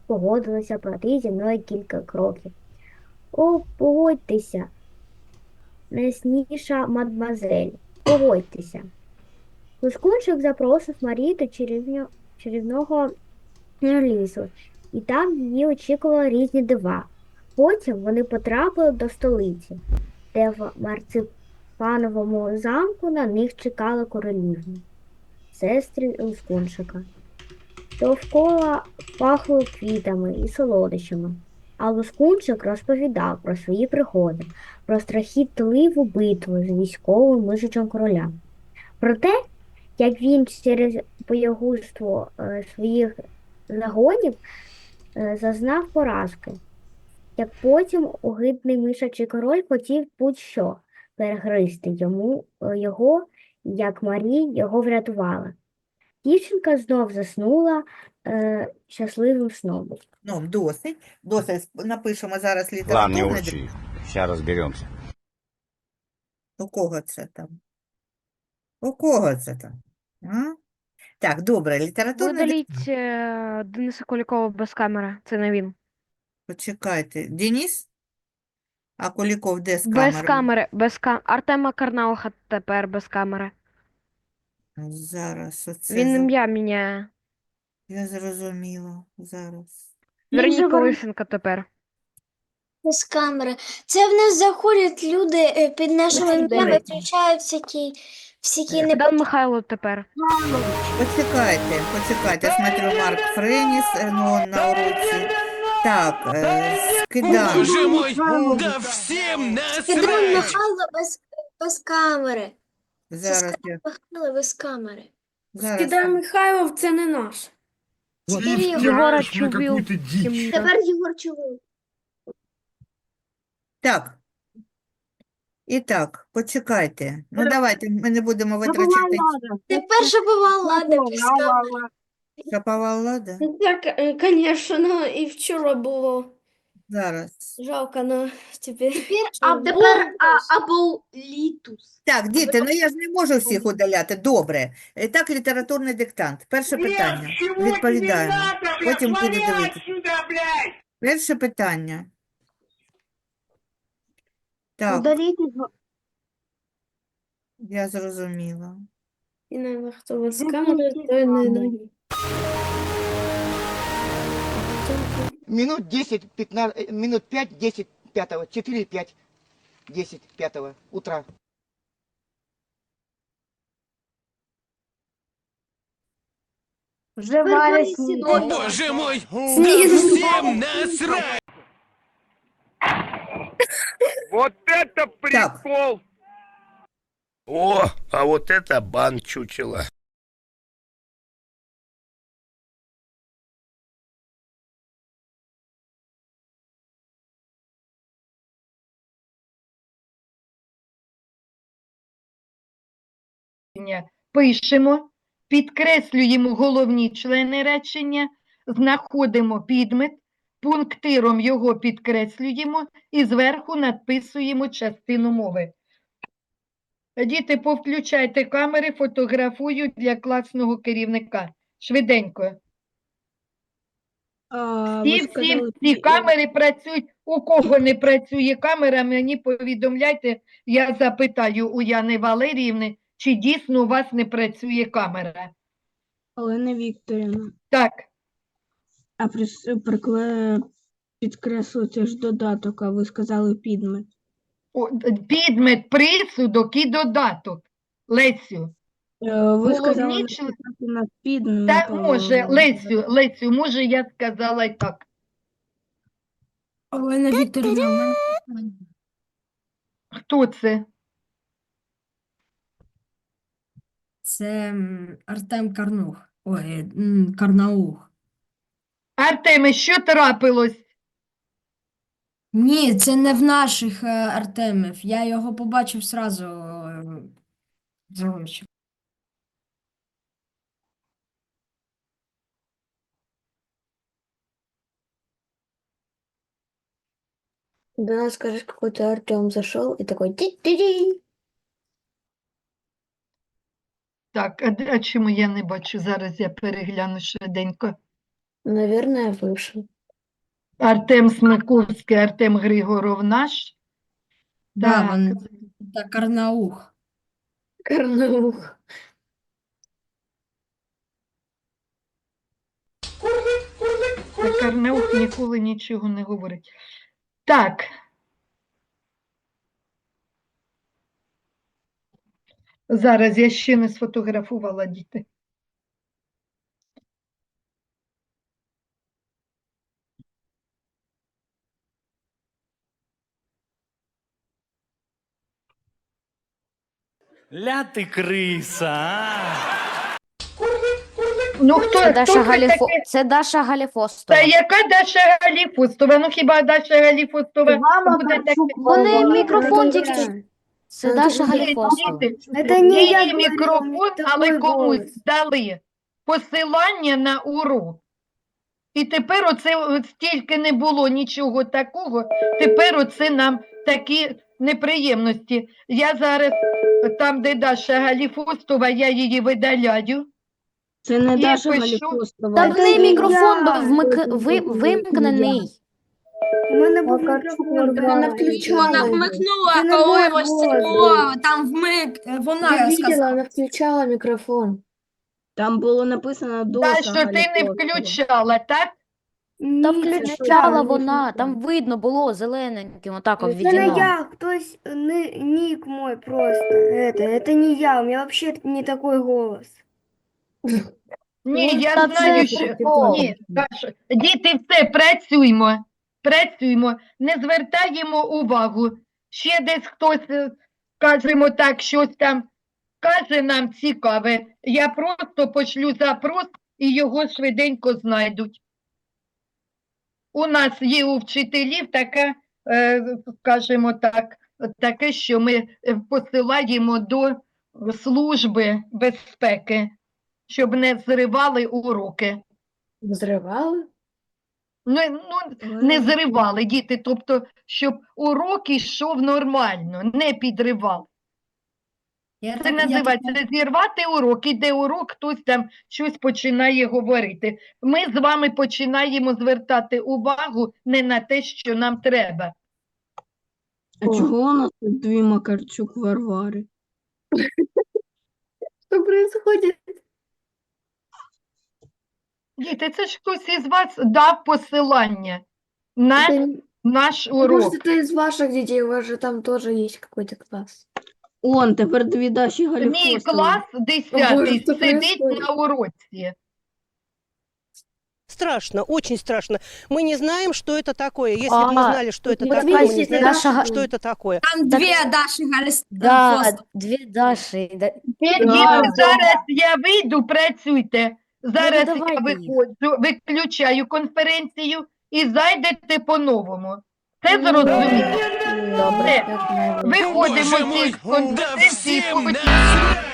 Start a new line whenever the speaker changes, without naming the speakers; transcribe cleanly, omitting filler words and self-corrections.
погодилася пройти зі мною кілька кроків. О, погодьтеся, найсніша мадмазель, погодьтеся. Лускунчик запросив Марію до чарівного лісу, і там її очікували різні дива. Потім вони потрапили до столиці, де в марципановому замку на них чекали королівні, сестри Лускунчика. Довкола пахло квітами і солодощами, а Лускунчик розповідав про свої пригоди, про страхітливу битву з військовим мишичем короля. Про те, як він через боягузтво своїх загонів зазнав поразки, як потім огидний мишачий король хотів будь-що перегризти його, як Марі його врятувала. Дівчинка знов заснула щасливим сном.
Ну, досить. Досить. Напишемо зараз
Ладно, не
літературний.
урчи. Сейчас разберемся.
У кого це там? У кого це там? А? Так, добре, літературний диктант.
Видаліть Дениса Кулікова без камери. Це не він.
Почекайте. Денис? А Куліков де з
Без
камерою?
камери. Артема Карнауха тепер без камери.
Зараз оце
Він ім'я міняє.
я зрозуміла. Зараз.
Вероніка Лисенко тепер.
Без камери. Це в нас заходять люди під нашими ім'ями, виключають всякі
Богдан Михайло тепер.
Почекайте. Смотрю, Марк Френіс, ну, на уроці. Так, скидаємо.
Боже мой, да всем
Кидай
насрать!
Михайло без камери.
Зараз я.
Михайло без камери.
Зараз.
Кидай Михайлов, це не наш.
Єгора Чубів.
Тепер Єгор Чулик.
Так. І так, почекайте. Ну, давайте, ми не будемо витрачати.
Тепер Шапова Лада без камери.
Шапова Лада?
Так, звісно, і вчора було.
Зараз.
Жалко, но тепер...
Тепер Аболітус.
Так, діти, ну я ж не можу всіх удаляти. Добре. Так, літературний диктант. Перше питання. Відповідаємо. Потім буде дивитися. Перше питання. Так, я зрозуміла.
І навіть хто без камери, той не ноги.
Минут 10, 15, минут 5, 10, 5, 4, 5, 10, 5 утра.
Вже Валя
О, боже мой, да всем насрать!
Вот это
Так.
прикол!
О, а вот это бан чучело.
Пишемо, підкреслюємо головні члени речення, знаходимо підмет, пунктиром його підкреслюємо і зверху надписуємо частину мови. Діти, повключайте камери, фотографую для класного керівника. Швиденько. Всі камери працюють. У кого не працює камера, мені повідомляйте, я запитаю у Яни Валеріївни, чи дійсно у вас не працює камера.
Олена Вікторівна.
Так,
А підкреслити ж додаток, а ви сказали підмет.
підмет, присудок і додаток. Лесю.
Ви сказали
Головні
написати на підмет.
Та може, Лесю, може я сказала і так.
Олена Вікторівна,
Хто це?
Це Артем Карнух. Ой, Карнаух.
Артеме, що трапилось?
Ні, це не в наших Артемів. Я його побачив зразу. Зовсім.
До нас, скажешь, какой-то Артем зашел и такой ти-ти-ти.
Так, а чому я не бачу? Зараз я перегляну швиденько.
Наверное, вышел.
Артем Смиковський, Артем Григоров наш.
Да,
Так.
вони та Карнаух.
Карнаух.
Карнаух ніколи нічого не говорить. Так. Зараз я ще не сфотографувала, діти.
Ля ти криса, а?
Ну, хто,
Це
хто
Даша,
це
Галіфо...
таке?
це Даша Галіфостова.
Та яка Даша Галіфостова? Ну хіба Даша Галіфостова буде таке?
Вони
Ага,
мікрофон
ну,
тільки
да.
що. Це Даша
Ні,
Галіфостова.
Діти,
Это не я
її
говорила,
мікрофон,
у меня
але
такой
комусь
голос.
дали посилання на урок. І тепер оце от стільки не було нічого такого, тепер оце нам такі неприємності. Я зараз там, де Даша Галіфостова, я її видаляю.
Це не
І
Даша
пишу.
Галіфостова.
Та в
це
неї
я.
мікрофон
Це
вимкнений.
У мене був мікрофон, вона включала.
Вона
його.
вмикнула,
Це не
коли
мой
ось
голос
було,
був.
там вмик,
Я
вона
видела,
сказала.
вона включала мікрофон. Там було написано
Та, що ти не включала, так?
Та
Ні, це не
включала
я.
вона, там видно було зелененьким, отак
Це не
обведено.
я, хтось, ник мой просто. Это не я, у меня вообще не такой голос.
Ні,
Ну,
я
та
знаю,
це
що...
прикол.
Ні, Даша, діти, все, працюймо. Працюймо, не звертаємо увагу. Ще десь хтось, скажімо так, щось там каже нам цікаве. Я просто пошлю запрос і його швиденько знайдуть. У нас є у вчителів таке, скажімо так, таке, що ми посилаємо до Служби безпеки, щоб не зривали уроки.
Взривали?
Ну, не зривали діти, тобто, щоб урок йшов нормально, не підривали. Це називається зірвати урок, іде урок, хтось там щось починає говорити. Ми з вами починаємо звертати увагу не на те, що нам треба.
А чого у нас тут дві Макарчук Варвари? Що происходит?
Діти, це ж хтось із вас дав посилання на наш урок.
Может, это из ваших детей, у вас же там тоже есть какой-то класс. Он, тепер дві Даші
Мій
Галіфостові.
клас 10-й
що
сидить
происходит?
на уроці.
Страшно, очень страшно. Мы не знаем, что это такое. Если
А,
бы мы знали, что это
вот
такое, мы не
видите,
знаем,
Даша
что это такое.
Там дві Даші
Да,
Галіфостова.
дві Даші.
Діти, зараз я вийду, працюйте. Зараз я
давайте їх.
виходжу, виключаю конференцію і зайдете по-новому. Це зрозуміло?
Добре.
Все. Виходимо
Боже
з
мой,
конференції.
да всем насрать!